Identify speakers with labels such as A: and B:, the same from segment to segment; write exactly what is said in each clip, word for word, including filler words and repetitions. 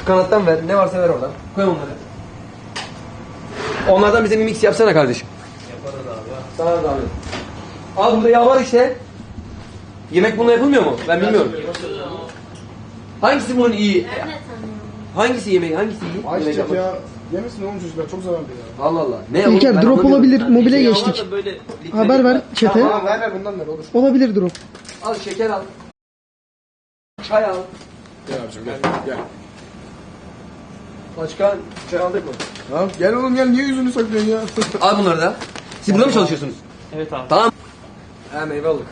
A: kanattan ver. Ne varsa ver oradan. Koy onları. Onlardan bize bir mix yapsana kardeşim.
B: Yaparız abi.
A: Sana da abi. Al burada yağ var işte. Yemek bununla yapılmıyor mu? Ben bilmiyorum. Hangisi bunun iyi?
C: Ben de tanıyorum.
A: Hangisi yemek? Hangisi iyi?
D: Ayçiçek
A: Yemek
D: ya. Yemesin oğlum çocuklar çok zararlı ya.
A: Allah Allah. Ne
E: İlker
A: oğlum, ben
E: drop
A: anlamıyorum.
E: olabilir. Mobile
B: Yağ var
E: geçtik.
B: da böyle
E: Haber ver çete.
D: Tamam ver ver bundan ver olur.
E: Olabilir drop.
A: Al şeker al. Çay al.
D: Gel abicim gel gel.
A: Başka çay aldık mı?
D: Tamam gel oğlum gel niye yüzünü saklıyorsun ya?
A: Al bunları da. Siz burada mı çalışıyorsunuz?
B: Evet abi.
A: Tamam. Ha meyve aldık.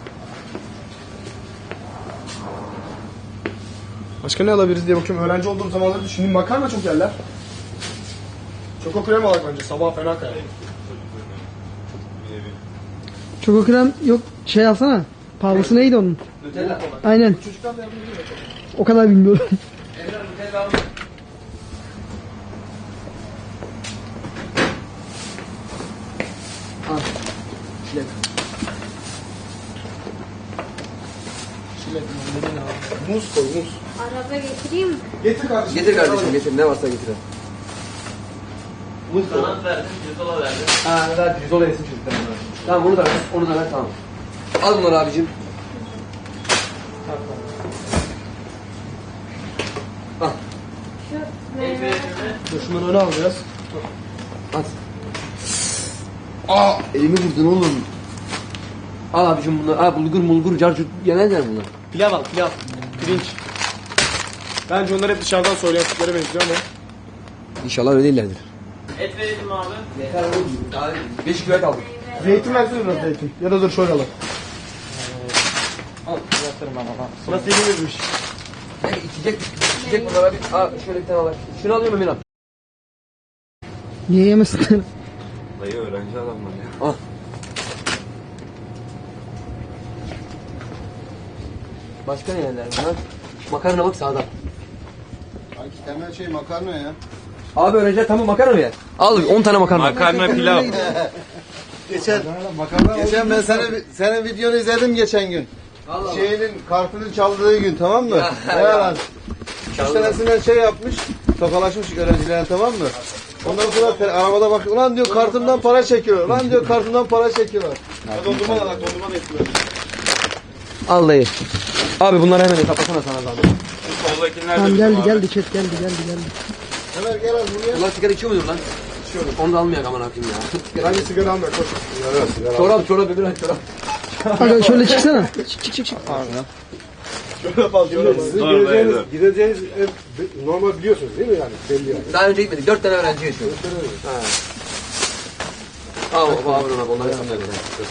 D: Başka ne alabiliriz diye bakıyorum. Öğrenci olduğum zamanları düşündüm. Makarna çok yerler. Çoko krem alak bence. Sabah fena kayar.
E: Çoko krem yok şey alsana. Pahalısı neydi onun?
A: Nutella.
E: Aynen.
D: Çocuklar da yapabilir ya çok.
E: O kadar bilmiyorum.
A: Emre Nutella al. Al. Çilek.
D: Çilek, mandalina. Muz koy muz.
C: Araba getireyim mi?
D: Getir kardeşim.
A: Getir kardeşim getir. Ne varsa getir. Muz koy.
B: Kanat verdim, pirzola verdim.
A: Ha ver pirzola yesin çocuklar. Tamam onu da ver. Onu da ver tamam. Al bunları abicim. Al.
C: Şu meyve.
D: Dur şunları öne alacağız.
A: At. Aa elimi vurdun oğlum. Al abicim bunları. Aa bulgur mulgur carcut yemezler bunlar.
D: Pilav al pilav. Pirinç. Bence onlar hep dışarıdan söyleyen tiplere benziyor ama.
A: İnşallah öyle değillerdir.
B: Et verelim abi.
A: Yeter oğlum. Daha beş kilo et aldık.
D: Zeytin versene biraz zeytin. Ya da dur şöyle alalım.
B: Al, yatırım ama.
D: Nasıl yenilirmiş?
A: Ne içecek? İçecek bunlara bir. Aa şöyle bir tane al. Şunu alıyorum Emin abi.
E: Niye yemesinler?
F: Dayı öğrenci adamlar ya.
A: Al. Başka ne yerler bunlar? Makarna bak sağda.
F: Sanki temel şey makarna ya.
A: Abi öğrenciler tamam makarna mı yer? Al on tane makarna.
F: Makarna pilav. geçen geçen ben sana senin videonu izledim geçen gün.
A: Allah Allah.
F: Şeyinin kartını çaldığı gün tamam mı? Ne yalan. Üç tanesinden şey yapmış. Tokalaşmış öğrencilerine tamam mı? Ondan sonra te- arabada bak ulan diyor kartımdan para çekiyor. Ulan diyor kartımdan para çekiyorlar.
D: Ya dondurma da bak dondurma da yapıyor.
A: Al dayı. Abi bunları hemen kapasana sana zahmet.
F: Soldakiler
E: Tamam geldi geldi chat geldi geldi geldi.
F: Hemen gel az buraya.
A: Ulan sigara içiyor mudur lan? İçiyorum. Onu da almayak aman akıyım ya.
D: Bence sigara alma koş.
A: Çorap çorap öbür ay çorap.
E: Aga şöyle çıksana. Çık çık çık çık.
D: Şöyle fazla şöyle gideceğiniz, gideceğiniz ev normal biliyorsunuz değil mi yani? Belli yani.
A: Daha önce gitmedik. Dört tane öğrenci yaşıyor. Ha. Al baba abi ona onları sen de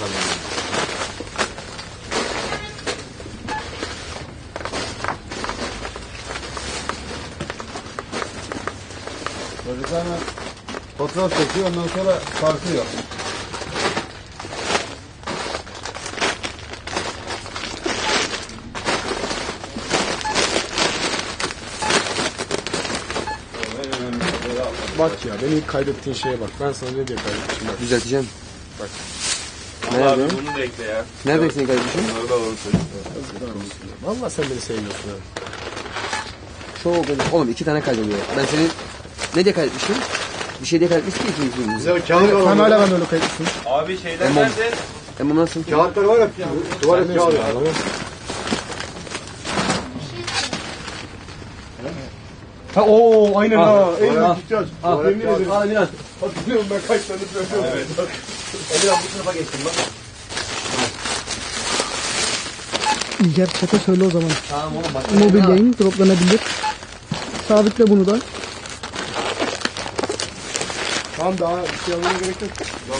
F: Çocuklar fotoğraf çekiyor ondan sonra tartıyor.
D: Bak ya beni ilk kaydettiğin şeye bak. Ben sana ne diye kaydetmişim bak.
A: Düzelteceğim.
D: Bak.
A: Nerede?
F: Bunu da ekle ya.
A: Nerede seni kardeşim?
F: Bunları da alalım çocuklar.
D: Valla sen beni seviyorsun abi.
A: Çok öyle. Oğlum iki tane kaydediyor. Ben seni ne diye kaydetmişim? Bir şey diye kaydetmiştim ki iki iki.
D: Bize kağıt var. Sen hala ben öyle kaydetmişim.
F: Abi şeyler
A: Tamam.
F: nerede?
A: Emre nasıl?
D: Kağıtlar var ya. Tuvalet kağıdı. Ha ooo aynen
A: Al.
D: ha. En
A: Al.
D: büyük ihtiyaç.
A: Al.
D: Yemin ederim.
A: Al Emirhan.
D: Hatırlıyorum ben kaç tane söylüyorum. Evet.
A: Emirhan bu sınıfa geçtim bak.
E: İlker chat'e söyle o zaman.
A: Tamam oğlum bak.
E: Mobil yayın droplanabilir. Sabitle bunu da.
D: Tamam daha bir şey almaya gerek yok.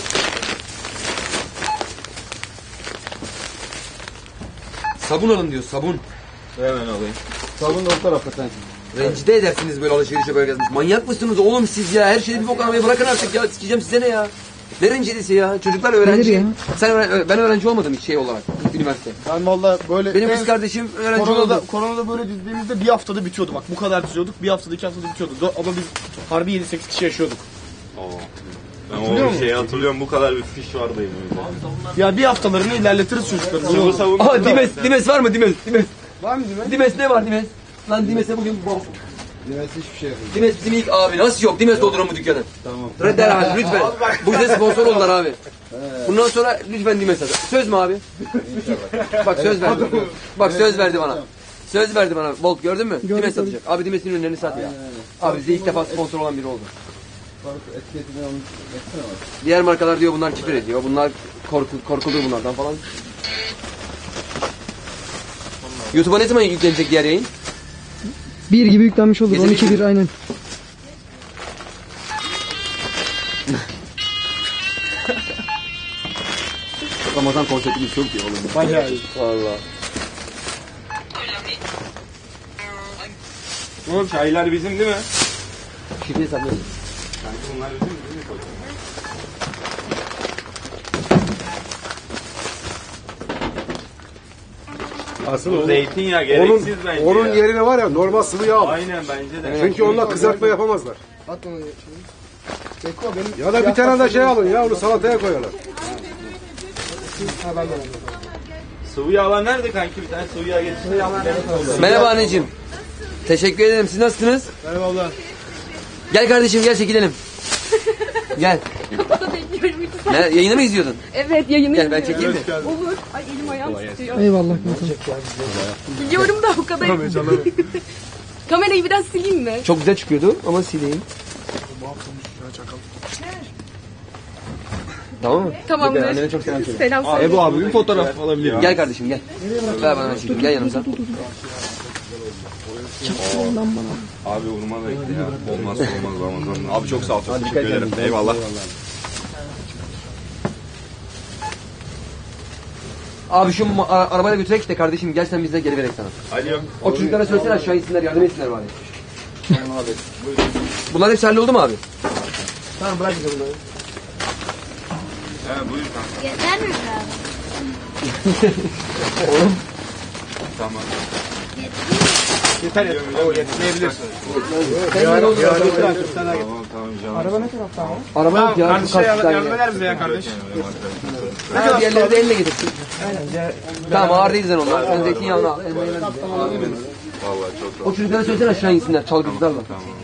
A: Sabun alın diyor sabun.
F: Hemen alayım.
A: Sabun da o tarafta sen. Rencide edersiniz böyle alışverişe böyle gezmiş. Manyak mısınız oğlum siz ya? Her şeyi bir bok almayı bırakın artık ya. Sikeceğim size ne ya? Ne rencidesi ya? Çocuklar öğrenci.
E: Nedir ya?
A: Sen öğren- ben öğrenci olmadım hiç şey olarak. Üniversite.
D: Ben valla böyle...
A: Benim
D: en-
A: kız kardeşim öğrenci
D: Koronada,
A: oldu.
D: koronada böyle dizdiğimizde bir haftada bitiyordu bak. Bu kadar diziyorduk. Bir haftada iki haftada bitiyordu. Do- Ama biz harbi yedi sekiz kişi yaşıyorduk.
F: Ben
D: Hatırlıyor
F: o
D: musun?
F: şeyi hatırlıyorum bu kadar bir fiş vardı elimizde.
D: Ya bir haftalarını ilerletiriz çocukların.
F: Sıvı savunma.
A: Aha Dimes, Dimes var mı Dimes? Dimes.
D: Var mı değil mi?
A: Dimes ne var Dimes? Lan Dimes'e bugün bom.
F: Dimes hiçbir şey yapmıyor.
A: Dimes bizim ilk abi. Nasıl yok? Dimes doldurun bu dükkanı.
F: Tamam.
A: Redder abi lütfen. Bu bize sponsor oldular abi. Bundan sonra lütfen Dimes at. Söz mü abi? Bak söz verdi. Bak söz verdi bana. Söz verdi bana. Bolt gördün mü?
E: Gördüm,
A: Dimes
E: gördüm.
A: satacak. Abi Dimes'in ürünlerini sat ya. Abi bize ilk defa sponsor olan biri oldu.
F: Etiketini almış. Baksana bak.
A: Diğer markalar diyor bunlar küfür ediyor. Bunlar korku, korkulur bunlardan falan. YouTube'a ne zaman yüklenecek diğer yayın?
E: Bir gibi yüklenmiş olur.
A: Gece
E: on iki
A: bir-
E: bir aynen.
A: Ramazan konseptimiz çok iyi oğlum.
D: Bayağı iyi.
A: Valla.
D: Oğlum çaylar bizim değil mi?
A: Şifre hesaplayalım.
D: Bunlar bizim değil mi?
G: Asıl onun,
B: Zeytinyağı
G: onun,
B: gereksiz bence
G: onun
B: ya.
G: yerine var ya normal sıvı yağ al.
B: Aynen bence de.
G: Çünkü onunla kızartma yapamazlar.
D: At onu. Beko benim.
G: Ya da bir tane de şey alın ya onu salataya koyarlar.
D: Ha ben de ben de.
B: Sıvı yağlar nerede kanki? Bir tane sıvı yağ getirsin.
A: Merhaba anneciğim. Teşekkür ederim. Siz nasılsınız?
D: Merhaba abla.
A: Gel kardeşim gel çekilelim. Gel.
C: Bekliyorum lütfen.
A: Ne, yayını mı izliyordun?
C: Evet yayını
A: Gel ben
C: izliyorum.
A: çekeyim mi?
C: Olur. Ay elim ayağım tutuyor.
E: Eyvallah kankam.
C: Biliyorum da o kadar. Kamerayı biraz sileyim mi?
A: Çok güzel çıkıyordu ama sileyim. Tamam mı?
C: Tamamdır.
A: Peki, annene çok selam söyle.
C: Selam söyle.
D: Ebu abi bir fotoğraf alabilir miyim?
A: Gel kardeşim gel. Ver bana ben çekeyim. Gel yanımıza.
H: Abi vurma bekle ya. Olmaz olmaz Ramazan. Abi çok sağ ol. Çok teşekkür ederim. Eyvallah.
A: Abi şu ma- ara- arabayla götürek de kardeşim gel sen bizle geri verek sana.
H: Alo.
A: O çocuklara söylesene aşağı insinler yardım etsinler bari. Bunlar hepsi halloldu mu abi? Tamam bırak bize bunları.
H: He buyur kanka.
C: Yeter mi abi?
H: Tamam.
D: Yeter yeter. O yetmeyebilir.
H: Tamam tamam canım.
D: Araba ne tarafta abi?
A: Araba yok ya.
D: Kardeş
A: şu
D: şey
A: karşıdan
D: yardım
A: ya.
D: eder misin ya kardeş?
A: Ha, diğerleri de elle getirsin. Tamam ağır değilsen onlar. Sen zeytinyağını al. elmayı ver bize.
H: Vallahi çok sağ ol.
A: O çocuklara söylesene aşağı insinler çalgıcılarla.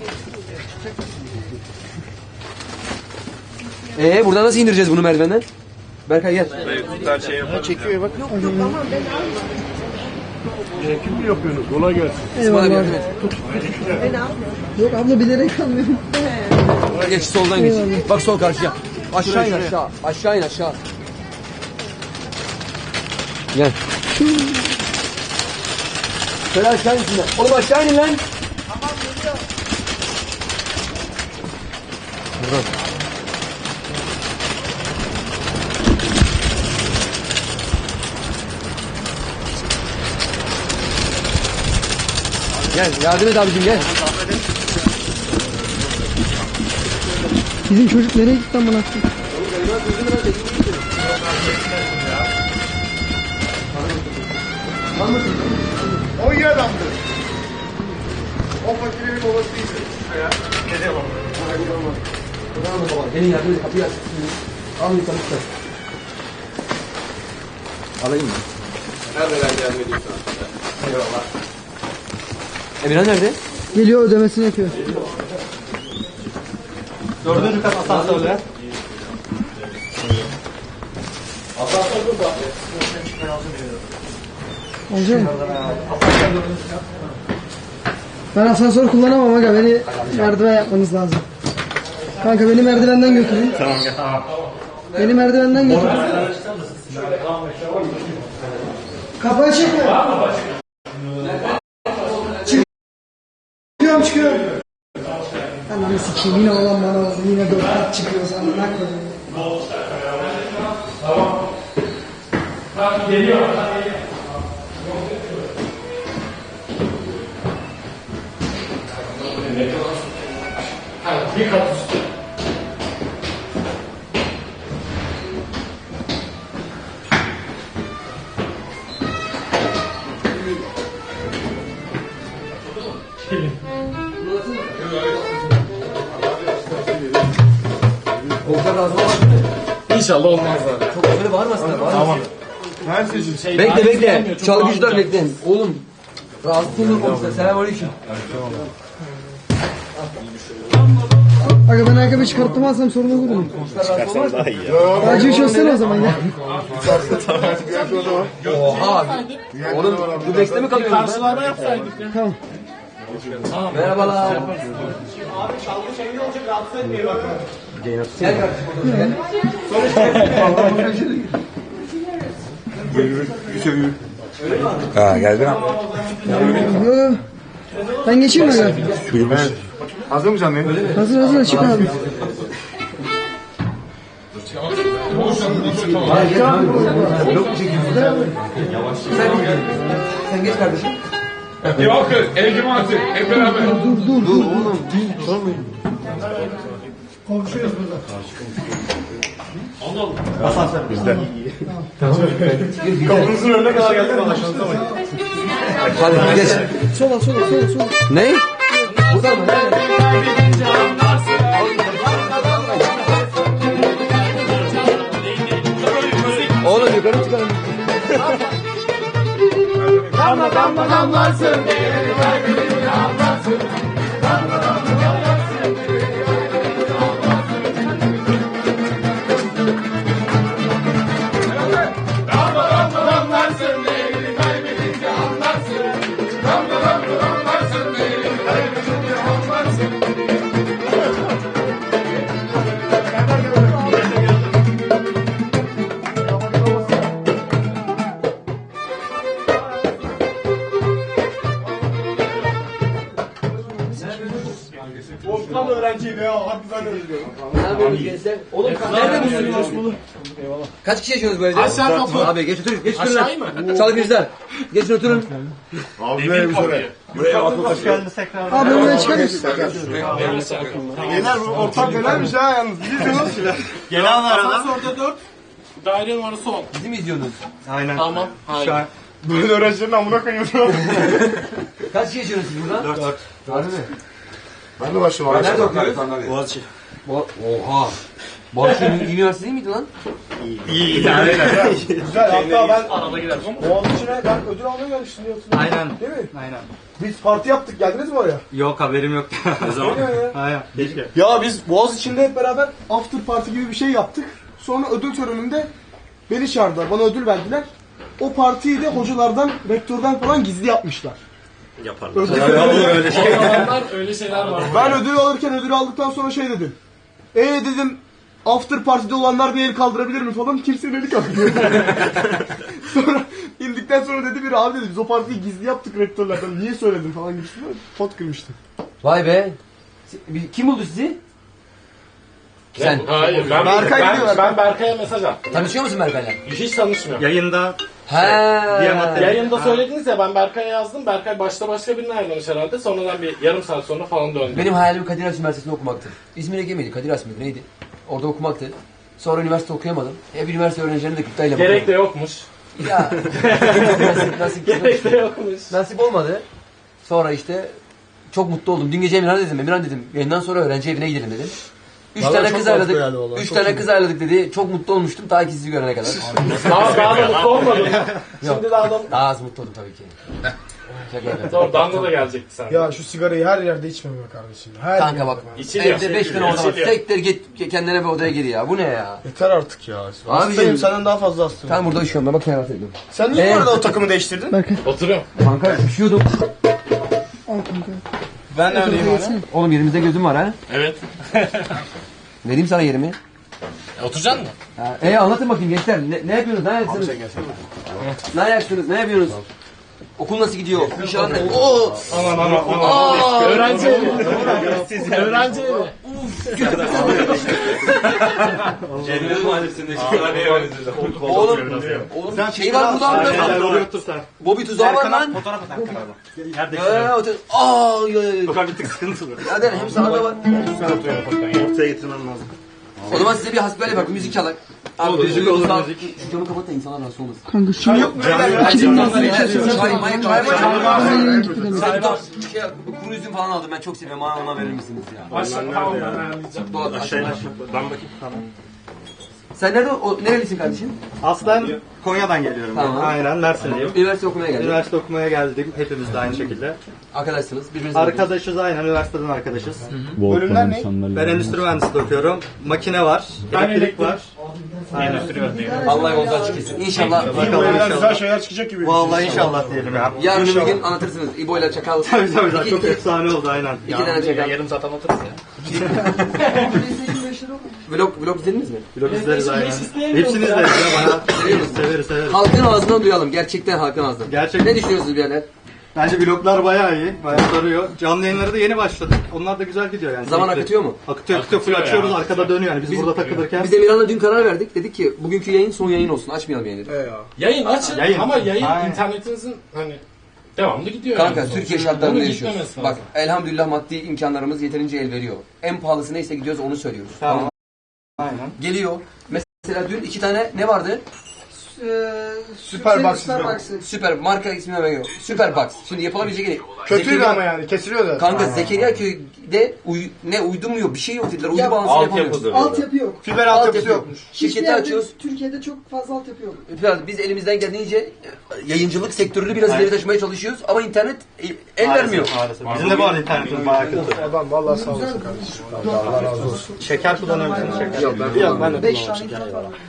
A: Ee buradan nasıl indireceğiz bunu merdivenden? Berkay gel.
H: Her şey yapalım.
D: Çekiyor bak.
G: Kim yapıyorsunuz? Kolay gelsin.
A: İsmail abi
E: Eyvallah.
A: yardım et.
E: Yok abla bilerek kalmıyorum.
A: Geç soldan geç. Bak sol karşıya. Aşağı in aşağı. Aşağı in aşağı. Gel. Şöyle aşağı insinler. Oğlum aşağı inin lan. Tamam geliyor. Buradan. Gel yardım et abicim gel.
E: Bizim çocuk nereye gitti lan bana?
D: O iyi adamdı. O fakirin babası değildi. Ne diyor baba?
A: Gelin yardım et kapıyı aç. Al bir tanıştır. Alayım mı?
H: Nerede ben yardım edeyim sana?
A: Eyvallah. Emirhan nerede?
E: Geliyor ödemesini yapıyor.
B: Dördüncü kat asansörle.
E: Olacak mı? Ben asansör kullanamam aga. Beni merdiven yapmanız lazım. Kanka beni merdivenden götürün. Tamam tamam. Beni merdivenden götürün. Kapı açık mı? Çıkıyorum çıkıyorum. Ananı sikeyim yine olan bana oldu. Yine dört kat çıkıyor sana. Ne koyayım?
A: Koltuklar razı olmaz.
D: İnşallah olmaz abi.
A: Çok böyle bağırmasınlar. Tamam.
D: Her seçim.
A: Bekle bekle. Çalgıcılar bekleyin. Oğlum. Rahatsız olur komşular. Selamünaleyküm.
E: Aga ben ayakkabı çıkartmazsam sorun olur mu?
H: Çıkarsan daha iyi ya.
E: Acı bir şey olsana o zaman ya.
A: Oha. Oğlum bu bekle mi kalıyorsun?
I: Karşılarda yapsaydık ya.
E: Tamam.
A: Merhabalar.
D: Abi çalgı şeyini olacak rahatsız etmeyin bak.
A: Gel kardeşim.
H: Ha geldin abi.
E: Yo. Ben geçeyim mi aga?
G: Hazır mı canım?
E: Hazır hazır çık abi.
A: Sen geç kardeşim.
J: Yok Ege Mati hep beraber.
E: Dur dur dur.
D: Kapınızın önüne kadar geldik valla şansa bak.
A: Hadi geç.
E: Sola sola sola sola.
A: Ne? Buradan mı? Oğlum yukarı çıkalım.
I: Damla damla damlarsın.
D: Tam öğrenciydi ya. Hadi ben de özlüyorum.
A: Ne yapıyorsunuz gençler? Oğlum nerede musunuz? Kaç kişi yaşıyorsunuz bu evde?
I: Aşağı kapı.
A: Abi geç oturun. Geç oturun.
I: Aşağıyı mı?
A: Çalı kızlar. Geçin oturun.
G: Abi böyle bir soru.
E: Abi oraya çıkar mısın?
D: Beyler bu ortam fenaymış ha yalnız. Biliyorsunuz.
B: Gelen var adam.
I: Orada dört. Daire numarası on.
A: Bizi mi izliyorsunuz?
B: Aynen.
I: Tamam. Hayır.
D: Böyle öğrencilerin amına koyuyordu.
A: Kaç kişi yaşıyorsunuz siz burada? Dört. Harbi mi?
G: Ben de başım abi.
A: Nerede okuyorsun?
B: Boğaziçi.
A: Bo Oha. Boğaziçi Üniversitesi değil miydi lan?
B: İyi yani.
D: Güzel hatta ben
I: Arada giderim.
D: Boğaziçi'ne ben ödül almaya gelmiştim diyorsun.
B: Aynen.
D: Değil mi?
B: Aynen.
D: Biz parti yaptık geldiniz mi oraya?
B: Yok haberim yok. Ne zaman? Aynen. Keşke.
D: Ya biz Boğaziçi'nde hep beraber after party gibi bir şey yaptık. Sonra ödül töreninde beni çağırdılar. Bana ödül verdiler. O partiyi de hocalardan, rektörden falan gizli yapmışlar.
B: Yaparlar.
D: Ödül
B: Öyle şey.
I: O zamanlar öyle şeyler var.
D: Ben ödül alırken ödül aldıktan sonra şey dedim. E dedim after party'de olanlar bir el kaldırabilir mi falan. Kimsenin eli kaldırmıyor. Sonra indikten sonra dedi biri abi dedi biz o partiyi gizli yaptık rektörlerden. Niye söyledin falan gibisinden. Pot kırmıştı.
A: Vay be. Kim buldu sizi? Sen.
I: Hayır. Ben,
D: Berkay
I: ben,
D: gidiyor,
I: ben Berkay'a mesaj attım.
A: Tanışıyor musun Berkay'la?
I: Hiç tanışmıyorum.
B: Yayında
A: He.
I: Yayında söylediniz ya ben Berkay'a yazdım. Berkay başta başka birine ayrılmış herhalde. Sonradan bir yarım saat sonra falan döndü.
A: Benim hayalim Kadir Has Üniversitesi'nde okumaktı. İzmir Ege miydi? Kadir Has mıydı? Neydi? Orada okumaktı. Sonra üniversite okuyamadım. Hep üniversite öğrencilerine de kıptayla bakıyorum.
I: Gerek de yokmuş.
A: Ya. nasip, nasip,
I: Gerek de yokmuş.
A: nasip olmadı. Sonra işte çok mutlu oldum. Dün gece Emirhan dedim. Emirhan dedim. Yayından sonra öğrenci evine gidelim dedim. Üç
D: Vallahi
A: tane
D: çok
A: kız
D: mantıklı
A: ayarladık.
D: yani vallahi,
A: Üç
D: çok
A: tane
D: iyi.
A: kız ayarladık dedi. Çok mutlu olmuştum ta ki sizi görene kadar.
I: Daha, daha da mutlu olmadım.
A: Yok.
I: Şimdi daha da
A: Daha az mutlu oldum tabii ki. Şaka yapıyorum.
I: Doğru, Danla da gelecekti sen.
D: Ya şu sigarayı her yerde içmeme kardeşim. Her
A: Kanka
D: yerde.
A: bak.
I: İçiliyor.
A: Evde beş tane orada var.
I: İçiliyor.
A: Sektir git kendine bir odaya gir ya. Bu ne ya?
D: Yeter artık ya. Hastayım senden daha fazla hastayım.
A: Ben burada üşüyorum. Ben bak kenara ediyorum.
D: Sen niye
A: Ee?
D: bu arada o takımı değiştirdin?
E: Berkay
I: Oturuyorum.
A: Kanka üşüyordum.
E: al kanka.
B: ben de öyleyim abi.
A: Oğlum yerimizde gözüm var ha.
I: Evet.
A: Vereyim sana yerimi.
I: E, oturacaksın mı?
A: Ha, e anlatın bakayım gençler. Ne, ne yapıyorsunuz? Ne ayaksınız? Ne ayaksınız? Ne yapıyorsunuz? Okul nasıl gidiyor? İnşallah ne? Oo!
I: Aman aman aman. Öğrenci evi. Öğrenci evi.
B: Cennet Mahallesi'nde çıkıyorlar ne öğrenciler.
A: Oğlum, oğlum şey var burada abi.
I: Otur sen.
A: Bobby tuzağı var lan.
B: Fotoğraf at Erkan abi. Yerde
A: Eee otur. Aa ya ya.
B: Sokak bir tık sıkıntılı.
A: Hadi hem sana da var.
B: Ortaya getirmem lazım.
A: O zaman size bir hasbihal yapalım. Müzik çalak. Abi müzik olur müzik. Şu camı kapat da insanlar rahatsız olmasın.
E: Kanka şu yok mu?
A: Çay, may, çay var.
E: Aynen gitti demek.
A: Sen bir şey, bu kuru üzüm falan aldım. Ben çok seviyorum. Bana ona verir misiniz ya?
I: Aşağı tamam ben ayarlayacağım.
A: Dolap aşağı.
B: Ben bakayım. Tamam.
A: Sen nerede? O, nerelisin kardeşim?
K: Aslen Konya'dan geliyorum.
A: Tamam.
K: Ben. Aynen Mersinliyim.
A: Üniversite okumaya geldin.
K: Üniversite okumaya geldim. Hepimiz de aynı şekilde.
A: Arkadaşsınız. Birbirinize
K: Arkadaşız aynen. Üniversiteden arkadaşız.
D: Bölümler ne?
K: Ben endüstri mühendisliği okuyorum. Makine var. Elektrik var. Aynen.
A: Allah yolunuzdan açık etsin. İnşallah.
K: Bakalım
G: Güzel
K: inşallah.
G: şeyler çıkacak gibi.
K: Vallahi inşallah diyelim ya.
A: Yarın bir gün anlatırsınız. İbo ile Çakal.
K: Tabii tabii tabii.
A: İki-
K: Çok
A: iki-
K: efsane oldu aynen.
A: İki tane Çakal.
I: Yarım saat anlatırız ya.
A: Vlog, vlog izlediniz mi?
K: Vlog izleriz aynen. Hepsini izleriz ya. Bayağı severiz severiz severiz.
A: Halkın ağzından duyalım. Gerçekten halkın ağzından.
K: Gerçekten.
A: Ne düşünüyorsunuz birader?
K: Bence vloglar bayağı iyi. Bayağı sarıyor. Canlı yayınları da yeni başladı. Onlar da güzel gidiyor yani.
A: Zaman
K: Keyifli.
A: akıtıyor mu?
K: Akıtıyor akıtıyor. Full açıyoruz. Arkada dönüyor yani. Biz, burada takılırken.
A: Biz Emirhan'la dün karar verdik. Dedik ki bugünkü yayın son yayın olsun. Açmayalım yayını.
I: Yayın açın
K: Yayın.
I: ama yayın
K: Aynen.
I: internetinizin hani devamlı gidiyor.
A: Kanka
I: yani.
A: Türkiye
I: Bunu
A: şartlarında
I: gitmemesi
A: yaşıyoruz.
I: lazım.
A: Bak elhamdülillah maddi imkanlarımız yeterince el veriyor. En pahalısı neyse gidiyoruz onu söylüyoruz.
K: Tamam.
A: Tamam.
K: Aynen.
A: Geliyor. Mesela dün iki tane ne vardı?
D: Süper Box.
A: Süper marka ismini veriyor. Süper Box. Şimdi yapılabilecek en iyi.
G: Kötüydü
A: Zekeriya-
G: ama yani kesiliyor da.
A: Kanka Zekeriya köyde uy, ne uydumuyor bir şey yok dediler. Uydu bağlantısı yapamıyoruz.
B: Altyapıdır.
E: Altyapı yok.
D: Fiber
A: Altyapı
D: altyapısı
A: yok.
D: yokmuş.
E: Hiçbir
A: Şirketi
E: yerde
A: açıyoruz.
E: Türkiye'de çok fazla altyapı yok.
A: Biraz biz elimizden geldiğince yayıncılık sektörünü biraz ileri taşımaya çalışıyoruz ama internet el vermiyor.
K: Maalesef. Bizim de bu arada internetimiz bayağı kötü.
G: Adam vallahi sağ olasın kardeşim. Allah razı olsun.
K: Şeker kullanıyor musunuz şeker?
A: Yok ben
K: Yok ben de
E: beş
K: kullanıyorum
E: tane
K: şeker.
E: internet var.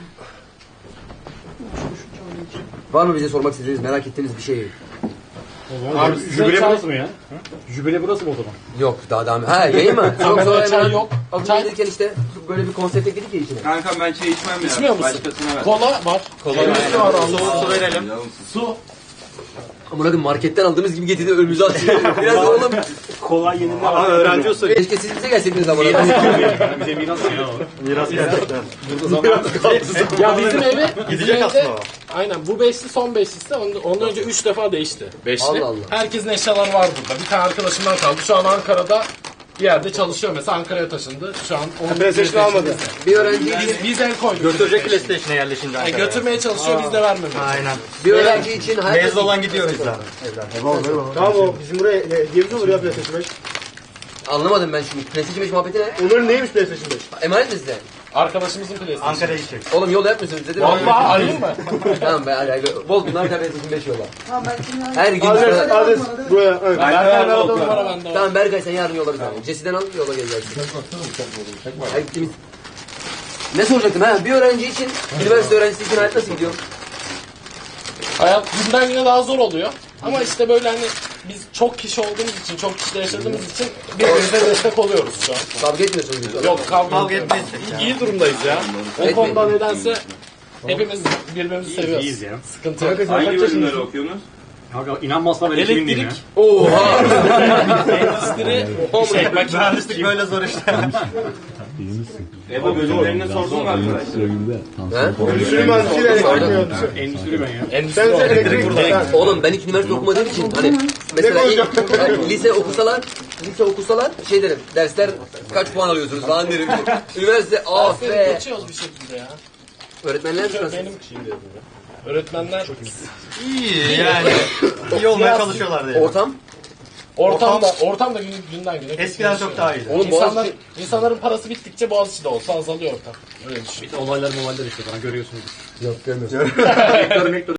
A: Var mı bize sormak istediğiniz, merak ettiğiniz bir şey?
I: Abi jübile burası mı ya? Jübile burası mı o zaman?
A: Yok daha devam. Ha yayın mı? Çok
I: Kamera,
A: sonra
I: çay
A: hemen
I: yok.
A: Az
I: Çay.
A: önce gelirken işte böyle bir konsept ekledik ya içine.
B: Kanka ben çay içmem ya.
I: İçmiyor musun?
B: Başkasına ver.
I: Kola var. Kola var.
K: Soğuk su verelim.
I: Su.
A: Ama hadi marketten aldığımız gibi getirdi önümüze atıyor. Biraz da oğlum.
K: Kolay yenilme var. Öğrenci usulü.
A: Keşke siz bize gelseydiniz ama.
K: Bize miras ya. Miras gerçekten.
I: Ya bizim evi
K: Gidecek
I: bizim
K: aslında
I: evde-
K: o.
I: Aynen bu beşli son beşlisi. Ondan, ondan önce üç defa değişti. Beşli.
A: Allah Allah.
I: Herkesin eşyaları var burada. Bir tane arkadaşımdan kaldı. Şu an Ankara'da bir yerde çalışıyor mesela. Ankara'ya taşındı. Şu an onun
D: PlayStation almadı.
A: Bir öğrenci
I: Biz, biz el koyduk.
K: Götürecek PlayStation'a yerleşince
I: Yani
K: Ankara'ya.
I: götürmeye çalışıyor biz de vermemiyoruz.
K: Aynen.
A: bir öğrenci için hayat
K: Mezun olan gidiyor bizden.
D: Tamam o bizim buraya e, girmiş olur ya PlayStation beş.
A: anlamadım ben şimdi. PlayStation beş muhabbeti ne?
D: Onların neymiş PlayStation beş?
A: Emanet mi size?
I: Arkadaşımızın PlayStation.
K: Ankara'ya gidecek.
A: Oğlum yol yapmıyorsunuz dedim.
I: Vallahi arayayım mı?
A: Tamam be hadi hadi. Bol bunlar da PlayStation beş yolla.
E: Tamam ben şimdi
A: Her gün
D: Adres,
A: para-
D: adres buraya. Evet.
I: Berkay verdi numara bende var.
A: Tamam Berkay sen yarın yola bir tane. Jesse'den al yola geleceksin. Ay, temiz. Ne soracaktım ha? Bir öğrenci için, üniversite öğrencisi için hayat nasıl gidiyor?
I: Hayat günden güne daha zor oluyor. Ama işte böyle hani biz çok kişi olduğumuz için, çok kişide yaşadığımız için birbirimize destek oluyoruz şu an.
A: Kavga etmiyorsunuz inşallah.
I: Yok kavga,
K: Kavga
I: etmeyiz.
K: etmeyiz.
I: İyi, iyi durumdayız ya. O
A: Etmeyin.
I: konuda nedense hepimiz birbirimizi seviyoruz.
K: İyiyiz ya.
I: Sıkıntı yok.
B: Hangi bölümleri okuyorsunuz?
K: İnanmazsan ben ekimin diyeyim
I: Elektrik,
K: ya.
A: Oha!
I: endüstri, şey, makine.
K: Mühendislik böyle zor işte.
B: Ebo bölümlerini sordun mu arkadaşlar?
A: He?
D: Endüstri mühendisliği elektrik mühendisi.
K: Endüstri ben ya.
I: Endüstri
D: Sen
I: olarak
D: elektrik
I: burada.
D: burada.
A: Oğlum ben hiç üniversite okumadığım için hani mesela ilk, yani lise okusalar lise okusalar şey derim dersler kaç puan alıyorsunuz falan derim. Üniversite ah
I: Dersleri
A: be.
I: geçiyoruz bir şekilde ya.
A: Öğretmenler mi nasıl?
I: Benim şeyim dedim ya. Öğretmenler
K: İyi yani. İyi olmaya çalışıyorlar diye.
A: Ortam?
I: ortam da ortam da gün, günden güne
K: Eskiden çok daha iyiydi.
A: Oğlum
I: İnsanlar,
A: Boğaziçi...
I: insanların parası bittikçe Boğaziçi'de olsa azalıyor ortam. Öyle düşün.
K: Olaylar molaylar işte bana görüyorsunuz.
A: Yok görmüyorum.